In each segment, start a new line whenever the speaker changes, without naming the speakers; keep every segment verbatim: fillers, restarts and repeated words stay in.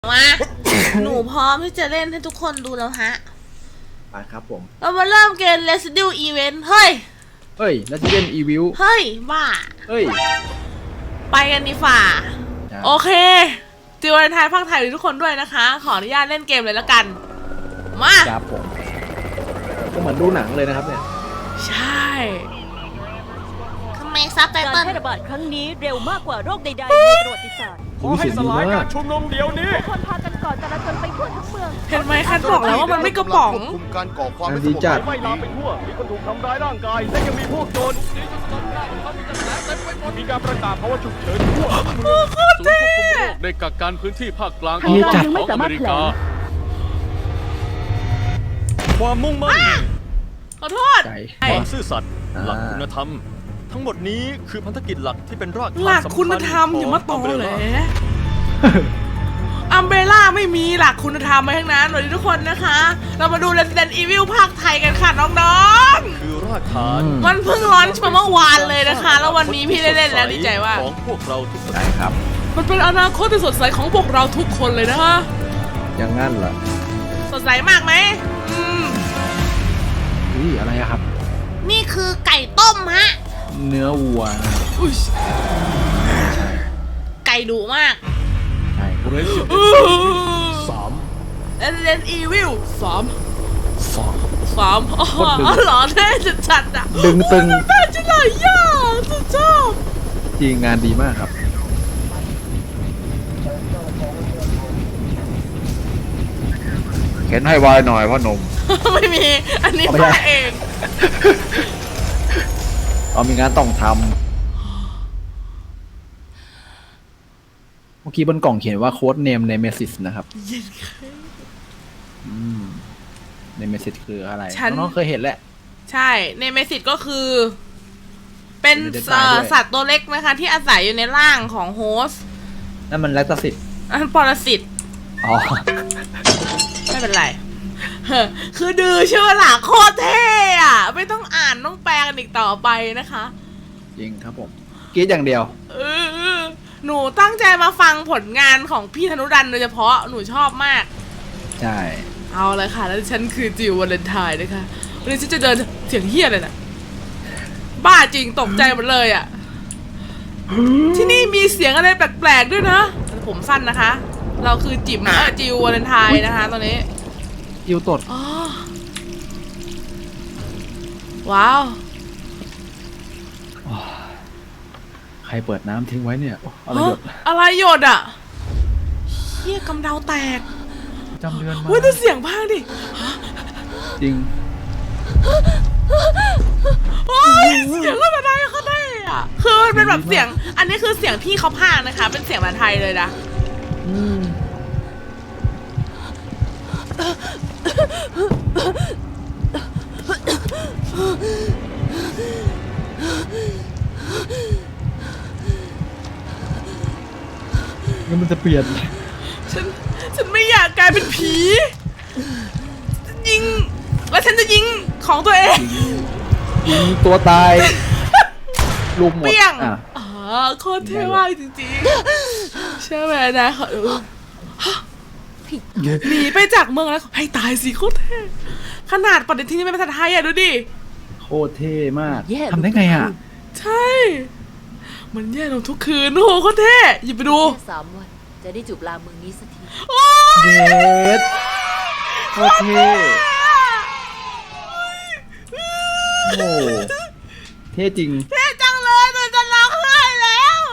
มาหนูพร้อมที่จะเล่นให้ทุกคนดูแล้วฮะ
ไปครับผม
เรามาเริ่มเกม Resident Event เฮ้ย
เฮ้ย Resident Evil
เฮ้ยบ้า
เฮ้ย
ไปกันดีฝ่าโอเคจิววาเลนไทน์ภาคไทยทุกคนด้วยนะคะขออนุญาตเล่นเกมเลยแล้วกันมา
ครับผมก็เหมือนดูหนังเลยนะครับเนี่ย
ใช่ทำไมซับไตเติ้ล
การแพร่ระบาดครั้งนี้เร็วมากกว่าโรคใดๆในประวัติศาสตร์
ขอให้สลายการ
ชุมนุมเดี๋ยวนี้
ทุกคนพากันก่อจราจรไปทั่วทั้งเมือง
เห็นไหมคันบอกแล้วว่ามันไม่กระป๋อง
คุมการก่อความไม่สงบไม่ลามไปทั่วมีคนถูกทำร้ายร่างกายและยังมีพวกโจรมีการประกาศภาวะฉุกเฉินทั่วเมืองศูนย์ควบคุมโรคได้กักกันพื้นที่ภาคกลางของอเมริกาความมุ่งมั่น
ขอโทษ
ความซื่อสัตย์หลักคุณธรรมทั้งหมดนี้คือพันธกิจหลักที่เป็นรากฐาน
หลักคุณธรรมอย่ามาตอเลยอัมเบร่าไม่มีหลักคุณธรรมมาทั้งนั้นเลยทุกคนนะคะเรามาดู Resident Evil ภาคไทยกันค่ะน้อง
ๆคือรากฐาน
มันเพิ่งร้อนมาเมื่อวานเลยนะคะแล้ววันนี้พี่ได้เล่นแล้วดีใจว่า
ของพวกเราทุกคน
ครับ
มันเป็นอนาคตที่สดใสของพวกเราทุกคนเลยนะคะ
อย่างงั้นเหรอ
สดใสมากไหมอืม
นี่อะไรครับ
นี่คือไก่ต้มฮะ
เนื้อวัว
ไก่ดุมาก
ใช่
เรสสาม
Resident Evil สาม
สาม
สามอ๋อหล่อแท้จัดๆอ่ะ
ดึงตึง
แท้จังเลยย่าสุดชอบ
จริงงานดีมากครับเข็นให้วายหน่อยพ่อหนุ่ม
ไม่มีอันนี้มาเอง
เอามีงานต้องทำเมื่อกี้บนกล่องเขียนว่าโค้ดเนมในเมสซิสนะครับในเมสซิสคืออะไรน้องเคยเห็นแหละ
ใช่ในเมสซิสก็คือเป็นสัตว์ตัวเล็กนะคะที่อาศัยอยู่ในร่างของโฮสต์
นั่นมันแลคตาซิต
อันปรสิต
อ๋อ
ไม่เป็นไรคือดื้อเชื่อหล่ะโคตรเท่อะไม่ต้องอ่านต้องแปลกันอีกต่อไปนะคะ
จริงครับผมกีดอย่างเดียว
เออหนูตั้งใจมาฟังผลงานของพี่ธนุรันโดยเฉพาะหนูชอบมาก
ใช่
เอาเลยค่ะแล้วฉันคือจิววาเลนไทน์นะคะวันนี้ฉันจะเดินเสียงเฮี้ยเลยนะบ้าจริงตกใจหมดเลยอ่ะที่นี่มีเสียงอะไรแปลกๆด้วยนะผมสั้นนะคะเราคือจิ๋มจิววาเลนไทน์นะคะตอนนี้
จิวตด
ว้าว
ใครเปิดน้ำทิ้งไว้เนี่ยอะไรหยด
อะไรหยดอ่ะเฮี้ยกำเดาแตก
จำเดือนมา
เว้ยดูเสียงพังดิ
จริง
โอ้ยเสียงก็มาได้เขาได้อ่ะคือมันเป็นแบบเสียงอันนี้คือเสียงพี่เขาพากนะคะเป็นเสียงแบบไทยเลยนะ
งั้นมันจะเปลี่ยน
ฉันฉันไม่อยากกลายเป็นผียิงแล้วฉันจะยิงของตัวเอง
ยิงตัวตายลุมหมด
เปี้ยงอ๋อโคตรเท่มากจริงๆใช่ไหมนะเขาหนีไปจากเมืองแล้วให้ตายสิโคตรเท่ขนาดปฏิทินนี่ไม่เป็นภาษาไทยอ่ะดูดิ
โคตรเท่มากทำได้ไงอ่ะ
ใช่มันแย่ลงทุกคืนโอ้โหโคตรเท่หยิบไปดู
สามวันจะได้จูบลาเมืองนี้สักที
เย็ดโคตรเท่โอ้เท่จริง
เท่จังเลยหนูจะร้องไห้แล้ว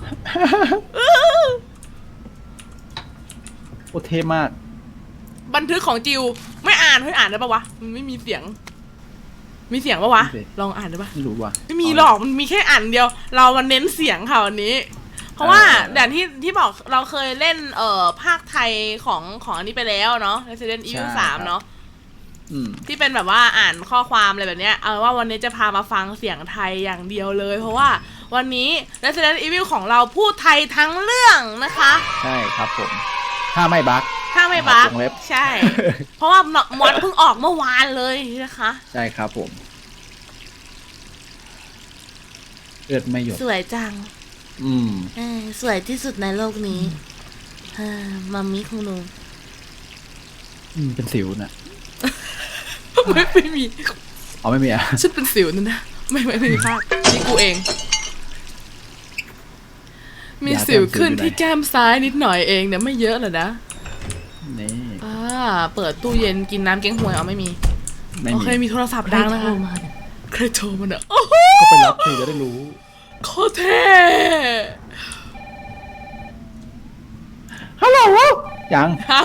โอ้เท่มาก
บันทึกของจิวไม่อ่านให้อ่านได้ปะวะมันไม่มีเสียงมีเสียงปะวะลองอ่านได้ปะ
ไม่รู้ว่ะ
ไม่มีหรอกมันมีแค่อ่านเดียวเรามันเน้นเสียงค่ะวันนี้เพราะว่าอย่างที่ที่บอกเราเคยเล่นเอ่อภาคไทยของของอันนี้ไปแล้วเนาะ Resident Evil สามเนาะที่เป็นแบบว่าอ่านข้อความอะไรแบบเนี้ยเอาว่าวันนี้จะพามาฟังเสียงไทยอย่างเดียวเลยเพราะว่าวันนี้ Resident Evil ของเราพูดไทยทั้งเรื่องนะคะ
ใช่ครับผมถ้าไม่บั๊ก
ถ้าไม่บั๊กใช่เพราะว่ามอดเพิ่งออกเมื่อวานเลยนะคะ
ใช่ครับผมเลือดไม่หยด
สวยจัง
อืม
สวยที่สุดในโลกนี้อ่ามามิของหนู
อืมเป็นสิวน่ะ
ไม่ไม่มี
อ๋อไม่มีอ่ะ
ฉันเป็นสิวนั่นนะไม่ไม่ไม่มีภาพนี่กูเอง มีสิวขึ้นที่แก้มซ้ายนิดหน่อยเองเนี่ยไม่เยอะหรอกนะ
นี่
อ่าเปิดตู้เย็นกินน้ำเก๊งฮวยเอาไม่มี
ไม่
โอ
มี
เคมีโทรศัพท์ดังนะคะใครโทรมาเนี่ยโอ้โห
ก็ไปรับสิจะได้รู้
โคตรเท่
ฮัลโหลยัง
ยัง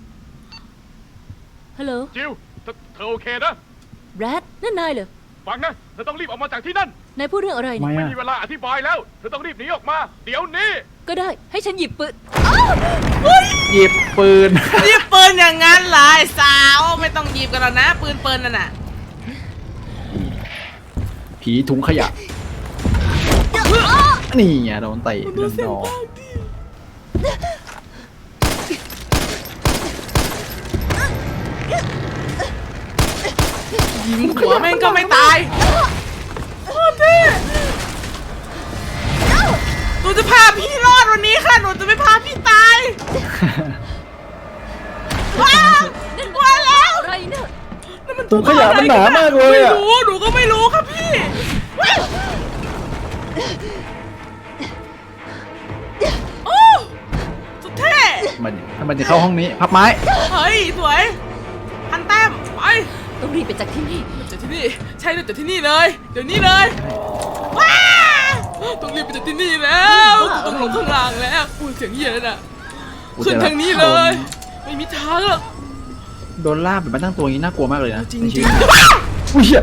ฮัลโหล
จิวเธอเธอโอเคนะ
แบรดนั่นนายเหรอ
ฟังนะ เธอต้องรีบออกมาจากที่นั่น
นายพูดเรื่องอะไร
ไม่
เนี่ย
อะ
ไม่มีเวลาอธิบายแล้ว เธอต้องรีบหนีออกมา เดี๋ยวนี้
ก็ได้ให้ฉันหยิบปืน
หยิบปืน
หยิบปืนอย่างนั้นเหรอไอ้สาวไม่ต้องหยิบกันแล้วนะปืนปืนนั่นน่ะ
ผีถุงขยะ นี่ไงโดนเตะโดนดอก
ยิงหัวแม่งก็ไม่ตายโคตรเท่หนูจะพาพี่รอดวันนี้ค่ะหนูจะไม่พาพี่ตายว้าวว้าแล้ว
อะไรเนี่ย
นั่นมัน
ถุงขยะมันหนามากเลย
ไม่
อ่ะ
รู้หนูก็ไม่รู้ครับพี่โอ้สุดเท่
มันทำไมจะเข้าห้องนี้ พับไม้
เฮ้ยสวยพันแต้มไป
ต้องรีบไปจากที่นี่
จากที่นี่ใช่เลยจากที่นี่เลยเดี๋ยวนี้เลยว้าวต้องรีบไปจากที่นี่แล้วต้องลงข้างล่างแล้วอุ้ยเสียงเหี้ยเลยน่ะขึ้นทางนี้เลย ไม่มีทางหรอก
โดนลากแบบมาตั้งตัวอย่างนี้น่ากลัวมากเลยนะ
จริง
ใน
จ
ชี
ริ
วิ
ง
ตอุ้ยเหี้ย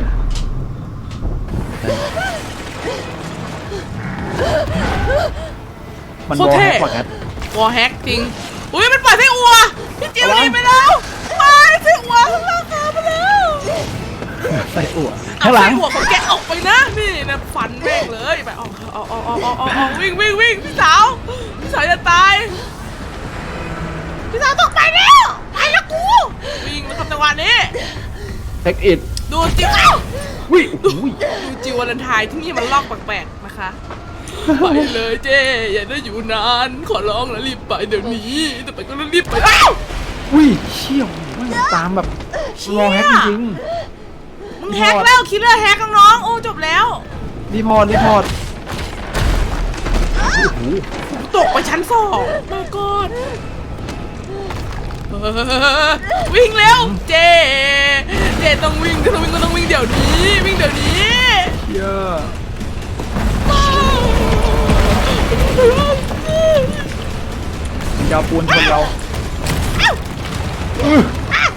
มันบอลแฮกกว่ากัน
วอลแฮกจริงอุ้ยมันปล่อยไส้อัวพี่จิ๋วหนีไปแล้วไปไส้อัวข้างล่างขาไปแล้ว
ใส่อั่ว
เอา
ข้างหลั
ไส้
ง
อัวของแกออกไปนะนี่นะฟันแม่งเลยไปออกออกออกออกออกออกออกวิ่งวิ่งวิ่งพี่สาวพี่สาวจะตายพี่สาวต้องไปแล้วไปแล้วกูวิ่งมาทำจังหวะนี้
เทคอิด
ดูจิ๋ว
วิอุ้ย
ดูจิ๋ววาเลนไทน์ที่นี่มันลอกแปลกๆนะคะไปเลยเจ๊อย่าได้อยู่นานขอร้องแล้วรีบไปเดี๋ยวนี้แต่ไปก็รีบไปอ้าว
อุ้ยเชี่ยวมันตามแบบรอแฮกจริง
มึงแฮกแล้วคิลเลอร์แฮกน้องๆโอ้จบแล้ว
ๆรีพอร์ตรีพอร์ตโอ้โห
ตกไปชั้นสองมาก่อนเออวิ่งเร็วเจเจต้องวิ่งถ้าต้องวิ่งก็ต้องวิ่งเดี๋ยวนี้วิ่งเดี๋ยวนี้
เยอะยาวปูนชนเราอื้อ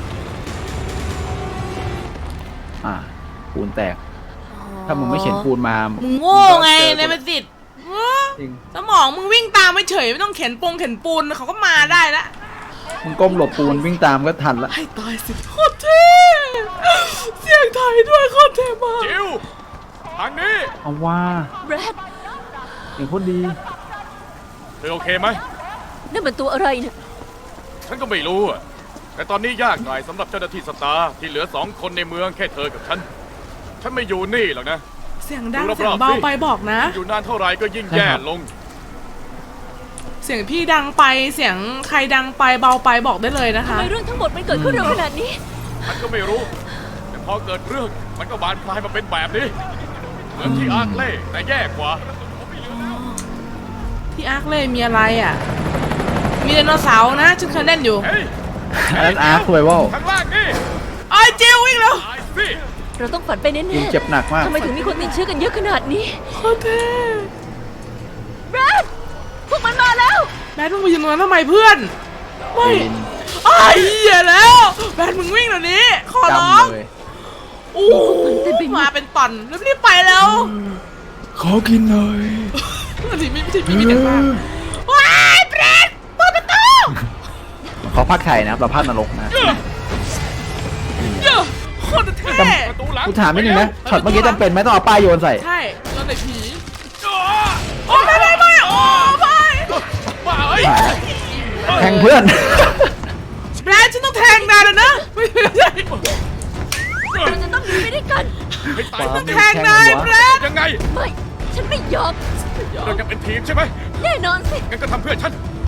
อ่าปูนแตก ถ้ามึงไม่เข็นปูนมา
มึงโง่ไงในประสิทธิ์
จริง
สมองมึงวิ่งตามไม่เฉยไม่ต้องเข็นปงเข็นปูนเขาก็มาได้ละ
มึงก้มหลบปูนวิ่งตามก็ทันละ
ให้ตายสิโคตรเท่เสียงไทยด้วยโคตรเท่มาก
จิวทางนี้
เอาว่า
แบรด
เสียงโคตรดี
เธอโอเคไหม
นั่นมันตัวอะไรเนี่ย
ฉันก็ไม่รู้อะแต่ตอนนี้ยากหน่อยสำหรับเจ้าหน้าที่สตาร์ที่เหลือสองคนในเมืองแค่เธอกับฉัน ฉันไม่อยู่นี่หรอกนะ
เสียงดัง
ดูรอบๆ
เสียงเบา
สิ
ไปบอกนะ
อยู่นานเท่าไหร่ก็ยิ่งแย่ลง
เสียงพี่ดังไปเสียงใครดังไปเบาไปบอกได้เลยนะ
ทำ
คะ
ไมเรื่องทั้งหมดมันเกิดขึ้นเร็วขนาดนี้
ฉันก็ไม่รู้ แต่พอเกิดเรื่องมันก็บานปลายมาเป็นแบบนี้ เหมือนที่อาร์คเล่แต่แย่กว่า
ที่อาร์คเลยมีอะไรอ่ะ มีไดโนเสาร์นะฉันเคยเล่นอยู่
เฮ้ย
อันนั้นอาร์คสวยว่า
ข้างล่างนี่
ไอ้ยจิววิ่งแล้ว
ตายสิ
เราต้องฝันไปแน่
ยิงเจ็บหนักมาก
ๆทำไมถึงมีคนติดเชื้อกันเยอะขนาดนี้
โคตรเท่
แบรดพวกมันมาแล้ว
แบทมึงมายืนตรงนั้นทำไมเพื่อน ไม่
ปีน
ไอ้เหี้ยแล้วแบทมึงวิ่งเดี๋ยวนี้ขอร้อง
จำเลย
โอ้มาเป็นตอนรีบๆไปแล้ว
ขอกินหน่อย
อันนี้ไม่ใช่พี่มีแต่บ้าว้ายเบรดเปิดประตู
เขาพักไทยนะครับเราพักนรกนะ
เยอะโคตรเท่
ประตูหลัง
กูถามนิดนึงนะช็อตเมื่อกี้จำเป็นไหมต้องเอาป้ายโยนใส่
ใช่ตอนไหนผีโอ้ไม่ไม่ไม่โอ้ไม่
บ้าเอ้ย
แทงเพื่อน
แบรนด์ฉันต้องแทงนายแล้วนะไม่ใช่
เราจะต้องหนีไปด้วยกัน
ให้ตาย
ว้าว
แทงนายแบรนด์
ยังไง
ไม่ ฉันไม่ยอม
เราจะเป็นทีมใช่ไหม
แน่นอนสิ
งั้นก็ทำเพื่อฉัน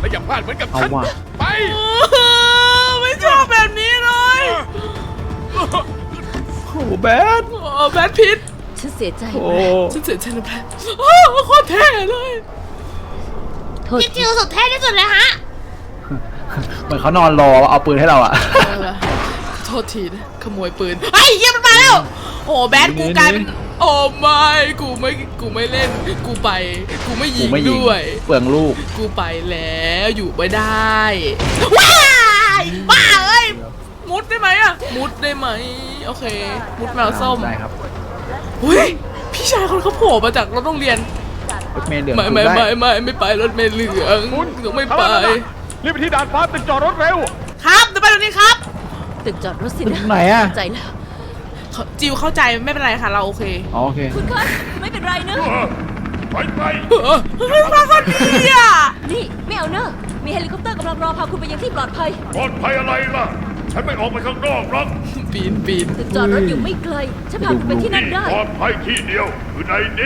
และอย่าพลาดเหมือนกับ
เอา
ฉัน
ว่ะ
ไป
ไม่ชอบแบบนี้เลย
โอ้โหแบด
โอ้แบทพิท
ฉันเสียใจ
โอ้
ฉันเสียใจนะแบทโอ้โคตรเท่เลย
โทษ
พี่จิวสุดเท่ที่สุดเลยฮะ
เหมือนเขานอนรอเอาปืนให้เราอะ
โทษทีนะขโมยปืนไอ้เยี่ยมันมาแล้วโอ้แบทกูกลายเป็นโอ้ไม่กูไม่กูไม่เล่นกูไปกูไม่ยิ
กู
ง
ไม่ยิง
ด้วย
เปลืองลูก
กูไปแล้วอยู่ไม่ได้ว้ายบ้าเอ้ยมุดได้ไหมอะมุดได้ไหมโอเค มุดแมวส้ม
ได้ครับ
เฮ้ยพี่ชายคนเขาโผล่มาจากรถโรงเรียน
รถเมล์เหลือง
ไม่
ถูก
ไม่
ได้
ไม่ไม่ไม่ไปรถเมล์เหลืองต้องไม่ไป
รีบไปที่ด่านฟ้าตึกจอดรถเร็ว
ครับเดี๋ยวไปตรงนี้ครับ
ตึกจอดรถสินะ
ไหนอะ
ใจแล้ว
เขาจิวเข้าใจไม่เป็นไรค่ะเราโอเค
อ๋อโอเค
คุณคะไม่เป็นไรเนอะ
ไปไป
เออมาคนดีอ่ะ
นี่ไม่เอาเนอะมีเฮลิคอปเตอร์กำลังรอพาคุณไปยังที่ปลอดภัย
ปลอดภัยอะไรล่ะ ฉันไม่ออกไปข้างนอกหรอก
ปีนปีน
ตึกจอดรถอยู่ไม่ไกล ฉันพาคุณไปที่นั่นได้
ปลอดภัยที่เดียวคือในนี้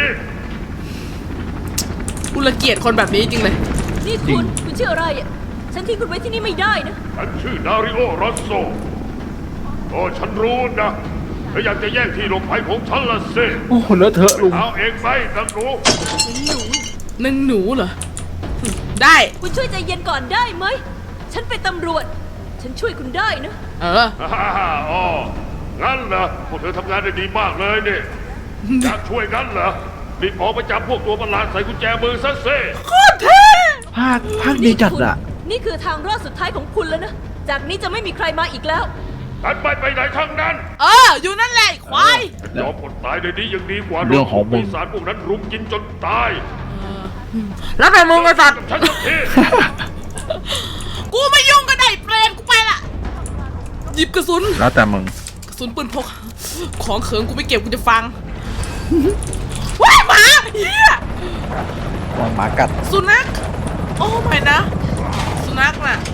อุลเกียดคนแบบนี้จริงเลย
นี่คุณ คุณชื่ออะไรอ่ะ ฉันทิ้งคุณไว้ที่นี่ไม่ได้นะ
ฉันชื่อดาริโอรอสโซโอ้ฉันรู้นะเธออยากจะแย่งที่หลบภัยของฉันละสิ
โอ้โหเลอะเทอะลุง
เอาเองไปนังหนู
นึ่งหนูเหรอ ได้
คุณช่วยใจเย็นก่อนได้ไหม ฉันเป็นตำรวจ ฉันช่วยคุณได้นะ
เออ
ฮ่าฮ่าอ๋องั้นเหรอพวกเธอทำงานได้ดีมากเลยนี่อยากช่วยงั้นเหรอรีบออกไปจับพวกตัวประหลาดใส่กุญแจมือซะสิ
โคตรเท่
ภาคภาคดีจัด
คุณ
อะ
นี่คือทางรอดสุดท้ายของคุณแล้วนะ จากนี้จะไม่มีใครมาอีกแล้ว
ฉันไม่ไปไหนทั้งนั้น
เออ อยู่นั่นแหละไอ้ควาย
ฉันยอมอดตายในนี้ยังดีกว่าโด
เรื่อน งของมึง
ปีศาจพวกนั้นรุมกินจนตาย
แล้วแต่มึงไอ้สัตว์
กับฉันสักที
กูไม่ยุ่งกับไอ้เปรตกูไปละหยิบกระสุน
แล้วแต่มึง
กระสุนปืนพก ของเขิงกูไม่เก็บกูจะฟัง ว้ายหมาเฮียว
างหมากัด
สุนัข โอ้ไม่นะ สุนัขน่ะ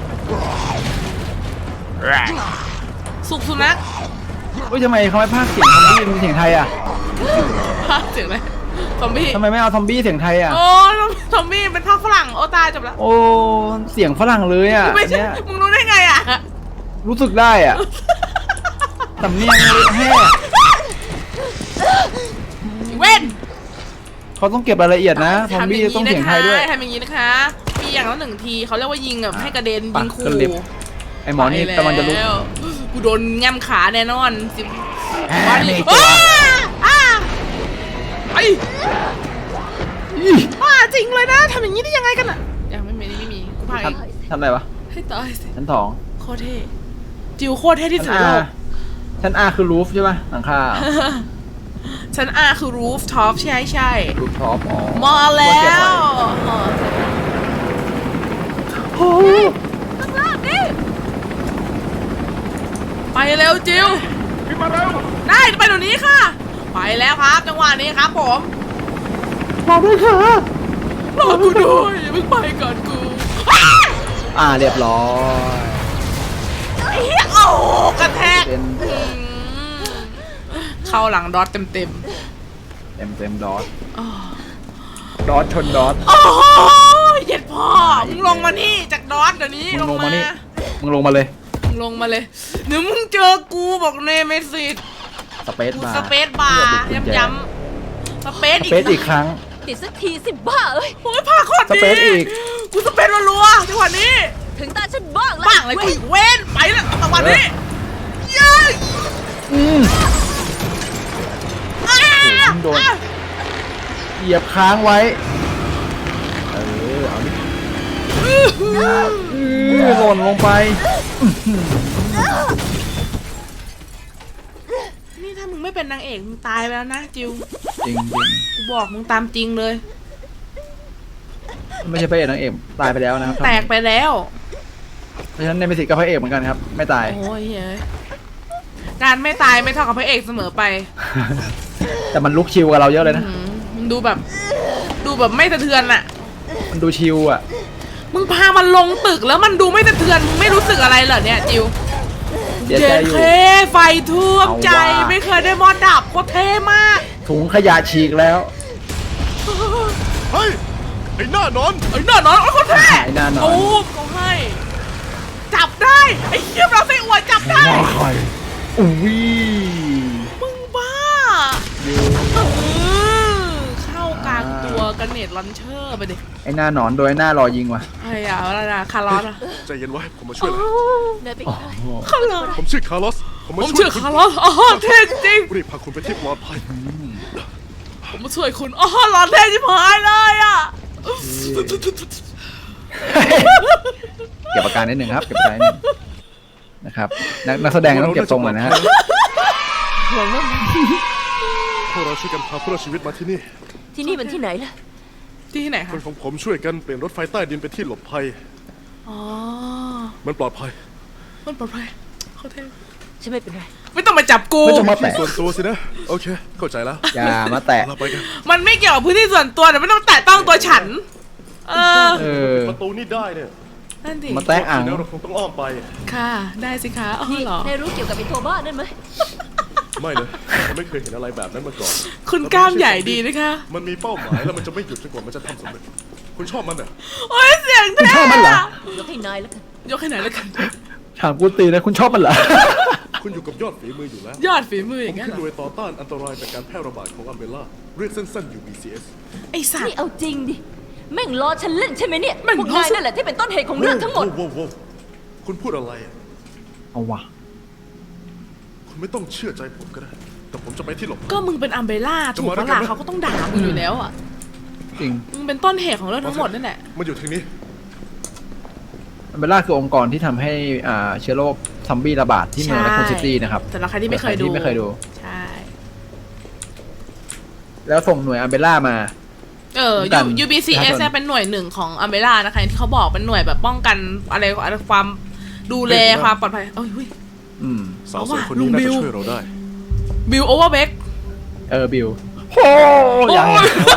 สุกสุนัข
เฮ้ยทำไมเขาไม่ภาคเสียงซอมบี้เป็นเสียงไทยอะ
ภาคเสียงอะไรซอมบี้
ทำไมไม่เอาซอมบี้เสียงไทยอะ
โอ้ซอมบี้เป็นภาคฝรั่ง โอ้ตายจบแล้ว
โอ้เสียงฝรั่งเลยอะ
ไม่ใช่
เนี่ย
มึงรู้ได้ไงอ่ะ
รู้สึกได้อะสำเนียงแห่
เว้น
เขาต้องเก็บรายละเอียดนะซอมบี้ต้องเสียงไทยด้วย
ทำอย่างนี้นะคะมีอย่างละหนึ่งทีเขาเรียกว่ายิงแบบให้กระเด็น
ปะ
ยิงขู่
กระเด็น ไอหมอนี่กำลังจะลุก
ไปแล้วกูโดนแง้มขาแน่นอนสิ
แหม
วัน
มี
นี้
ตัว
อ้าไอ้
อี
บ้าจริงเลยนะทำอย่างนี้ได้ยังไงกันอ่ะยังไม่มีไม่มีกูพาย
ทำทำอะไรวะ
ให้ตายสิ
ชั้นสอง
โคตรเท่จิวโคตรเท่ที่สุด
ชั้น
ใน
อา
โลก
ชั้นอาคือรูฟใช่ป่ะหลังคา
ชั้นอาคือรูฟท็อปใช่ใช่
รูฟท็อปอ๋อ
มาแล้วโอ้
ข้างล่างนี่
ไปเร็วจิว
ขึ้นมาเร็ว
ได้ไปเดี๋ยวนี้ค่ะ ไปแล้วครับจังหวะนี้ครับผม
รอด้วยค่ะ
รอกูด้วยอย่าเพิ่งไปก่อนกู
อ่าเรียบร้อย
เฮียโอ้กระแทก
เป็น
อืมเข้าหลังดอทเต็มเต็ม
เต็มเต็มดอท
ๆอ้อ
ดอทชนดอท
โอ้ยเย็ดพ่อมึงลงมานี่จากดอทเดี๋ยวนี้
มึง
ล
ล
ง
ง
มา
มานี่มึงลงมาเลย
มึงลงมาเลยเดี๋ยวมึงเจอกูบอกเนเมซิส
สเปซ
กู
บาร์
สเปซบาร์ย้ำๆสเปซ
ส
อีก
เปซอีกครั้ง
ติดสักทีสิบ้าเอ้ย
โอ้ยพาโคตรดี
สเปซอีก
กูสเปซรัวๆจังหวะนี้
ถึงตาฉันบ้างแล้ว
บ้างเลยกูอีกเว้นไปแล้วจังหวะนี้เย้ย
อืม
อ้า
มึงโดน เหยียบค้างไว้ เออ เอาดิอือหล่นลงไป
นี่ถ้ามึงไม่เป็นนางเอกมึงตายไปแล้วนะจิว
จริงจริง
กูบอกมึงตามจริงเลย
ไม่ใช่พระเอกนางเอกตายไปแล้วนะครับ
แตกไปแล้ว
เพราะฉะนั้นในมิสิกกับพระเอกเหมือนกันครับ ไม่ตาย
โอ้ยเฮ้ยการไม่ตายไม่เท่ากับพระเอกเสมอไป
แต่มันลุกชิวกับเราเยอะเลยนะ
อืมมึงดูแบบ ดูแบบไม่สะเทือนอะ
มันดูชิวอ่ะ
มึงพามันลงตึกแล้วมันดูไม่สะเทือนมึงไม่รู้สึกอะไรเหรอเนี่ยจิว
เสียใจอยู่
เท่ไฟท่วมใจ
เอาว่า
ไม่เคยได้มอดดับโคตรเท่มาก
ถุงขยะฉีกแล้ว
เฮ้ย
ไอ้หน้านอน
ไอ้หน้านอนไอ้คนแท้
ไอ้หน้านอน
โอ้ก็ให้ จับได้ไอ้เหี้ยเราไส้อวยจับได้
ว่าใครอุ้ย
มึงบ้าเออเข้ากลางตัวกันเน็ตลันเชอร์ไปดิ
ไอ้หน้าหนอนโดยไอ้หน้ารอยิงว่ะ
ไอ้อะอะไรนะคาร์ลอสอะ
ใจเย็นไว้ผมมาช่วยนะ
นายเป็น
โอ้
ใคร
โห
คาร์ลอส
ผมชื่อคาร์ลอสผม
ผ
มาม ช่วย
ชื่อ
คุณ
คาร์ลอสอ๋อเท่จริง
รีบพาคุณไปที่ปลอดภัย
ผมมาช่วยคุณอ๋อหลอนเท่ชิบหายเลยอะ
เก็บอาการนิดหนึ่งครับเก็บอาการนิดหนึ่งนะครับนักนักแสดงต้องเก็บทรงหน่อยนะฮะ
หลอนมาก
พวกเราช่วยกันพาผู้รอดชีวิตมาที่นี่
ที่นี่มันที่ไหนล่ะ
ที่ไหน
ค
คะ
นของผมช่วยกันเปลี่ยนรถไฟใต้ดินไปที่หลบภัย
อ๋อ
มันปลอดภัย
มันปลอดภัยเขาเท่
ฉันไม่เป็นไร
ไม่ต้องมาจับกู
ไม่ต้องมา
ที่
แตะ
ส่วนตัวสินะโอเคเข้าใจแล้ว
อย่ามาแตะ
เราไปกัน
มันไม่เกี่ยวกับพื้นที่ส่วนตัวแต่ไม่ต้องแตะต้องตัวฉัน เออ
เออ
ประตูนี่ได้เนี่ย
นั่นดิ
มาแตะอ่าง
แล้วเราคงต้องอ้อมไป
ค่ะ ได้สิคะอ๋อ
นี่
เหรอ
นายรู้เกี่ยวกับไอ้ตัวบ้านั่นไหม
ไม่เลยผมไม่เคยเห็นอะไรแบบนั้นมาก่อน
คุณกล้ามใหญ่ดีนะคะ
มันมีเป้าหมายแล้วมันจะไม่หยุดจนกว่ามันจะทำสำเร็จคุณชอบมันเหรอ
โอ้ยเสียง
คุณ
เท่
ชอบมันเหรอ
อะ
ยกให้นายแล้วกัน
ยกให้ไหนอยแล้วกัน
ถามกูตีนะคุณชอบมันเหรอ
คุณอยู่กับยอดฝีมืออยู่แล้ว
ยอดฝีมืออ
ผ
ย่าม งเงี้ย
ขึ้น
เหร
หน่
อ
วยต่อต้านอันตรายจากการแพร่ระบาดของอัมเบล่าเรียกสั้นๆ ยู บี ซี เอส
ไอสัต
นี่
ว์
เอาจริงดิ แม่งล้อฉันเล่นใช่ไหมเนี่ย
แม่ง
พวก
ล้อฉัน
นายนั่นแหละที่เป็นต้นเหตุของเรื่องทั้งหมด
โว้วโว้วคุณพูดอะไรอะ
เอาวะ
คุณไม่ต้องเชื่อใจผมก็ได้ แต่ผมจะไปที่หลบ
ก็มึงเป็นอัมเบร่าถูกปะล่ะเขาก็ต้องด่ามึงอยู่แล้วอ่ะ
จริง
มึงเป็นต้นเหตุของเรื่องทั้งหมดนั่นแหละ
มันอยู่ทางนี้
อัมเบล่าคือองค์กรที่ทำให้อ่าเชื้อโรคซอมบี้ระบาดที่เมืองแรคคูนซิตี้นะครับ
แต่ละใครที่ไม่เคยดู
ที่ไม่เคยดู
ใช่
แล้วส่งหน่วยอัมเบล่ามา
เออ
กัน
ยู บี ซี เอส
ประชาชน
เป็นหน่วยหนึ่งของอัมเบร่านะคะที่เขาบอกเป็นหน่วยแบบป้องกันอะไรอะไรความดูแลความปลอดภัยเอ้ยหุ้ย
อืม
สาวส
เอา
วย
ว่ะ
คนนี้
ลุง
น่า
บิ
จะ
ว
ช่วยเราได้
บิลโอเวอร์เบก
เออบิลโอ้ยยัง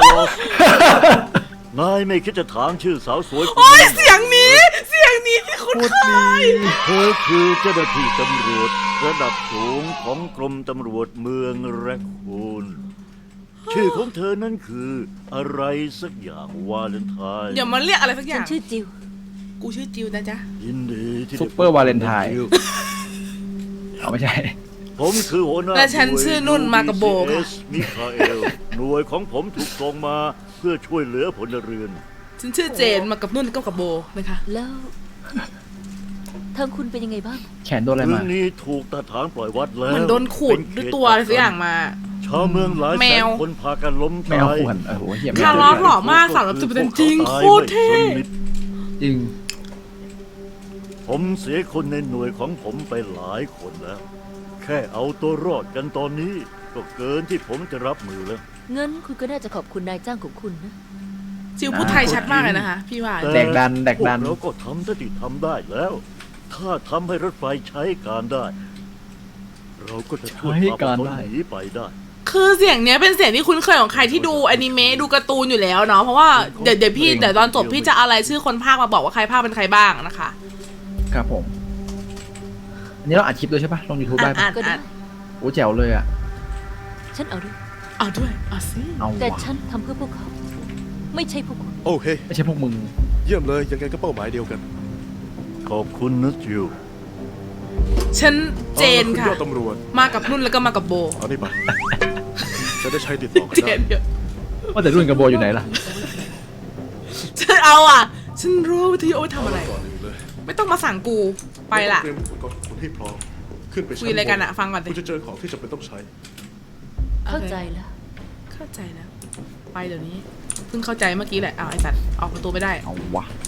นายไม่คิดจะถามชื่อสาวสวยคน
โอ้ย
นี้
เสียงนี้ เสียงนี้ที่คุณเคย
เธอคือเจ้าหน้าที่ตำรวจระดับสูงของกรมตำรวจเมืองแรคคูน ชื่อของเธอนั้นคืออะไรสักอย่างวาเลนไทน์
อย่ามาเรียกอะไรสักอ
ฉั
ย่าน ง
ชื่อจิว
กูชื่อจิวนะจ๊ะ
ยินดีที่ได้
ซุปเปอร์วาเลนไทน์
พบ
เอาไม่ใช่
ผมคือหัวหน้า
และฉันชื่อนุ่นมากับโบค่ะ
มิคาเอล หน่วยของผมถูกส่งมาเพื่อช่วยเหลือพลเรือน
ฉันชื่อเจนมากับนุ่นก็กับโบนะคะ
แล้ว ทางคุณเป็นยังไงบ้าง
แขนโดนอะไร
เมือ
มา
งนี้ถูกทหารปล่อยวัดแล้ว
มันโดนขูดด้วยตัวอะไรสักอย่างมา
ชาวเมืองหลาย
แม
แสน
ว
คนพากันล้ม
แม
ตา
วย ขวนเออโหเหี้ยแม
คาว ร์ลอสหล่อมากสามร้อยสิบเปอร์เซ็นต์จริงโคตรเท่
จริง
ผมเสียคนในหน่วยของผมไปหลายคนแล้ว แค่เอาตัวรอดกันตอนนี้ ก็เกินที่ผมจะรับมือแล้ว
เงินคุณก็น่าจะขอบคุณนายจ้างของคุณนะ
จิวพูดไทยชัดมากเลยนะคะ พี่ว่า
แต่
แดกดันแดกดัน
พวเราก็ทำเท่าที่ทำได้แล้ว ถ้าทำให้รถไฟใช้การได้ เราก็จะช่วย
ใช้
พาพว
การ
กเขา
ได้
หนีไปได้
คือเสียงเนี้ยเป็นเสียงที่คุ้นเคยของใครที่ดูอนิเมะดูการ์ตูนอยู่แล้วเนาะเพราะว่าเดี๋ยวเดี๋ยวพี่เดี๋ยวตอนจบพี่จะอะไรชื่อคนภาคมาบอกว่าใครภาคเป็นใครบ้างนะคะ
ครับผม อันนี้เราอัดคลิปด้วยใช่ปะลงยูทูบได้
อ่า
ปะ
ก็ได้
โอ้แจ๋วเลยอ่ะ
ฉันเอาด้วย
เอาด้วยเอาสิ
เอา
แต่
วะ
ฉันทำเพื่อพวกเขา ไม่ใช่พวกคุณ
โอเค
ไม่ใช่พวกมึง
เยี่ยมเลยยังไงก็เป้าหมายเดียวกัน
ขอบคุณนะจิว
ฉันเจน
อา
ค่ะ
ล่คุณยอดตำรวจ
มากับนุ่นแล้วก็มากับโบ
เอานี่ไป จะได้ใช้ติดต่อกัน
เจ
ได้
นเดี๋ยว
ว่าแต่รุ่นกับโบอยู่ไหนล่ะ
ฉันเอาอ่ะ ฉันรู้วิธีโอ้ยทำอะไร
ก่อนอื่นเลย
ไม่ต้องมาสั่งกูไปละ
เตรียมอุปกรณ์คุณให้พร้อมขึ้นไปชั้น
คุยอะไรกันอะ
บ
ฟังก่อนดิ
คุณจะเจอของที่จำเป็นต้องใช้
เข้าใจแล้ว
เข้าใจแล้วไปเดี๋ยวนี้เพิ่งเข้าใจเมื่อกี้แหละอ้าวไอ้สัตว์ออกประตูไม่ได้
เอาวะ